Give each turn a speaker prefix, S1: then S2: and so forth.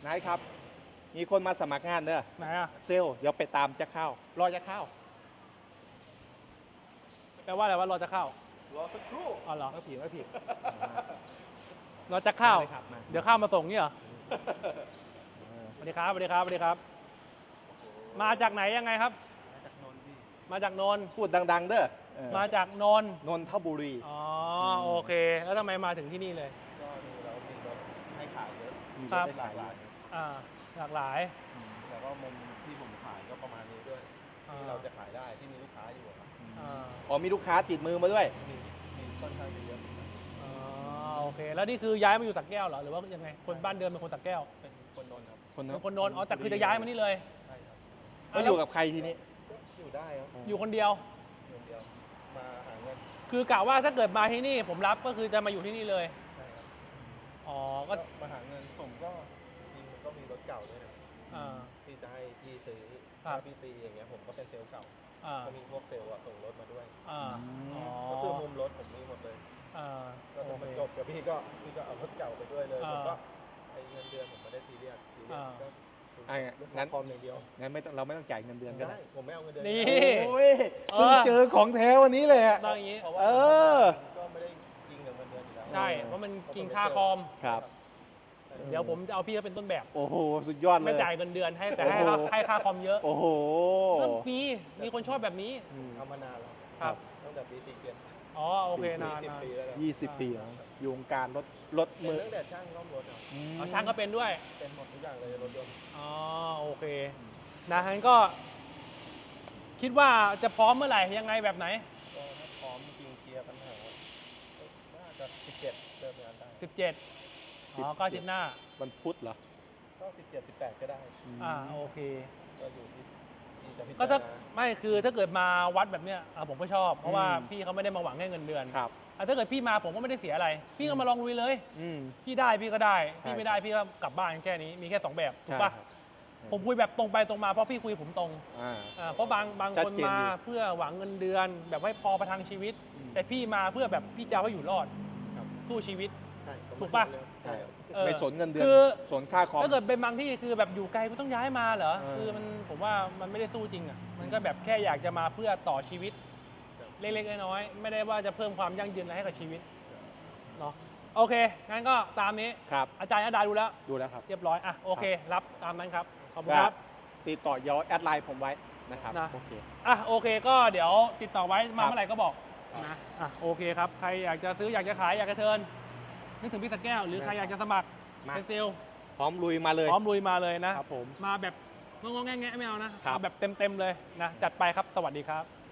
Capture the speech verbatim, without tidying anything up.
S1: นายครับ มีคนมาสมัครงานเนอะ
S2: ไหนอ่ะ
S1: เซลล์เดี๋ยวไปตามจะเข้ารอจะเข้า
S2: แปลว่าอะไรว่ารอจะเข้าร
S1: อสักครู่
S2: อ๋อเหรอ
S1: ไม่ผิดไม่ผิด
S2: รอจะเข้า
S1: ได้ครับมา
S2: เดี๋ยวข้าวมาส่งนี่เหรอสวัสดีครับสวัสดีครับสวัสดีครับ มาจากไหนยังไงครับ
S1: จากนนท์พี่
S2: มาจากนนท์
S1: พูดดัง ๆ เด้อเออ
S2: มาจากนนท์
S1: นนทบุรี
S2: อ๋อโอเค แล้วทำไมมาถึงที่นี่เลย
S3: ก็ดูแล้วมีรถให้ขายเยอะ
S1: มี
S2: ครั
S1: รถ
S2: บ
S1: ได้หลากหลาย
S2: อ่าหลากหลาย
S3: แล้วก็มุมที่ผมขายก็ประมาณนี้ด้วย
S2: อ่า
S3: ที่เราจะขายได้ที่มีลูกค้าอยู่อะครับ
S2: อ่า
S1: อ๋อมีลูกค้าติดมือมาด้วย
S3: มีมีค่อนข้างจะเยอะ
S2: อ๋อโอเค แล้วนี่คือย้ายมาอยู่สักแก้วเหรอหรือว่ายังไงคนบ้านเดิมเป็นคนสักแก้ว
S3: เป็นคนนนท์ครับ
S1: คน
S2: เป็นคนนนท์อ๋อแต่คือจะย้ายมานี่เลย
S3: ใช่ครับ
S1: ก็อยู่กับใครทีนี้
S3: ก็อยู่ได้ครับ
S2: อยู่คนเดียว
S3: คนเดียวมาหาเงิน
S2: คือกะว่าถ้าเกิดมาที่นี่ผมรับก็คือจะมาอยู่ที่นี่เลย
S3: ใช่ครับ
S2: อ๋อ
S3: ก็
S2: ก็
S3: มาหาเงินผมก็จริงๆมันก็มีรถเก่าด้วยนะ
S2: อ่า
S3: ที่จะให้พี่ซื้อ
S2: ครับ
S3: ถ้าพี่ตีอย่างเงี้ยผมก็เป็นเซลล์เก่า
S2: อ่า
S3: ก็มีพวกเซลล์อะส่งรถมาด้วย
S2: อ่าอ๋อ
S3: ก็คือมุมรถผมมีหมดเลย
S2: อ่า
S3: ก็
S2: โอ
S3: จะ
S2: เค
S3: มาจบกับพี่ก็พี่ก็เอารถเก่าไปด้วยเลย
S2: อ่า
S3: ผมก็ไอเงินเดือนผมไม่ได้ซีเรียสซีเรียส
S2: อ่า
S3: ก็
S1: อ่ะ
S3: ลูก
S1: งั้
S3: ค้าน พร้อมอย่างเดียว
S1: งั้นไม่ต้องเราไม่ต้องจ่ายเงินเดือนก็
S3: ได้
S1: ได้
S3: ผมไม่เอาเงินเดือน
S2: นี่
S1: โอ้ย
S2: เอ
S1: เพิ่ง
S2: อ
S1: เจอของแท้วันนี้เลยอะ
S2: ต้องอย่างนี้
S3: เพราะว่า
S1: เออ
S3: ก็ไม่ได้กินกับเงินเดือนอยู่แล้ว
S2: ใช่ เพราะมันกินค่าคอม
S1: ครับ
S2: เดี๋ยวผมจะเอาพี่เขาเป็นต้นแบบ
S1: โอ้โห สุดยอดเล
S2: ไม่
S1: ย
S2: จ่ายเงินเดือนให้แต่ให้
S1: โอ้
S2: ค่า
S1: โห
S2: ให้ค่าคอมเยอะ
S1: โอ้โห
S2: ก็มีมีคนชอบแบบนี้
S1: อืม
S3: ทำมานานแล้ว
S2: ครับ
S3: ตั้งแต่ปีสี่เกียน
S2: อ๋อโอเคนาน
S3: สิบ
S2: นาน
S3: ปีแล้วนะ
S1: ยี่สิบปีแล้วอยู่วงการรถรถ
S3: เป็น
S1: มือ
S3: ตั้งแต่ช่างซ่อมรถอะ
S1: ม
S2: เอาช่างก็เป็นด้วย
S3: เป็นหมดทุกอย่างเลยรถยนต์
S2: อ๋อโอเคนะงั้นก็ คิดว่าจะพร้อมเมื่อไหร่ยังไงแบบไหน
S3: ก็ถ้าพร้อมจริงเคลียร์ปัญหาก็น่าจะสิบเจ็ดเริ่มงานได้
S2: สิบเจ็ดอ๋อก็อาทิตย์หน้า
S1: วันพุธเหรอ
S3: ก็สิบเจ็ดสิบแปดก็ได้
S2: อ่าโอเค
S3: ก็อยู่ที่ที่จะพิ
S2: ก็
S3: จาร
S2: ถ้า
S3: ณา
S2: ไม่คือถ้าเกิดมาวัดแบบเนี้ยอ่ะผมก็ชอบ เพราะว่า
S1: อืม
S2: พี่เขาไม่ได้มาหวังแค่เงินเดือน
S1: ครับ
S2: อ่ะถ้าเกิดพี่มาผมก็ไม่ได้เสียอะไร พี่ก็มาลองลุยเลย
S1: อืม
S2: พี่ได้พี่ก็ได้
S1: ใช่
S2: พี่ไม่ได้พี่ก็กลับบ้านแค่นี้มีแค่สองแบบถูกปะ
S1: ใช่ครับ
S2: ผมคุยแบบตรงไปตรงมาเพราะพี่คุยผมตรง
S1: อ่า
S2: อ่าเพราะบางบาง
S1: ชัด
S2: คน
S1: เจน
S2: มา
S1: อยู่
S2: เพื่อหวังเงินเดือน แบบให้พอประทังชีวิต
S1: อืม
S2: แต่พี่มาเพื่อแบบพี่จะเอาให้อยู่รอด
S3: ครับ
S2: สู้ชีวิต
S3: ใช่
S2: ถูกปะ
S3: ใช่ครับ
S2: เออ
S1: ไม่สนเงินเดือน
S2: คือ
S1: สนค่าคอม
S2: ถ้าเกิดเป็นบางที่คือแบบอยู่ไกลก็ต้องย้ายมาเหรอ
S1: เออ
S2: คือมันผมว่ามันไม่ได้สู้จริงอ่ะมันก็แบบแค่อยากจะมาเพื่อต่อชีวิต เล็กๆน้อยๆไม่ได้ว่าจะเพิ่มความยั่งยืนอะไรให้กับชีวิตเนาะโอเคงั้นก็ตามนี้
S1: ครับ
S2: อาจารย์อาดาดูแล้ว
S1: ดูแล้วครับ
S2: เรียบร้อยอ่ะโอเค รับตามนั้นครับขอบคุณ
S1: ก็
S2: ครับ
S1: ติดต่อย้อนแอดไลน์ผมไว้นะครับ
S2: นะ
S1: โอเค
S2: อ่ะโอเคก็เดี๋ยวติดต่อไว้มา
S1: ครับ
S2: เมื่อไหร่ก็บอกนะอ่ะโอเคครับใครอยากจะซื้ออยากจะขายอยากจะเทิร์นนึกถึงพี่สกแก้วหรือใครอยากจะสมัคร
S1: มา
S2: เป็นเซลล์
S1: พร้อมลุยมาเลย
S2: พร้อมลุยมาเลยนะครับ
S1: ผม
S2: มาแบบงงๆแงะๆไม่เอานะครับ เอาแบบเต็มๆเลยนะจัดไปครับสวัสดีครับ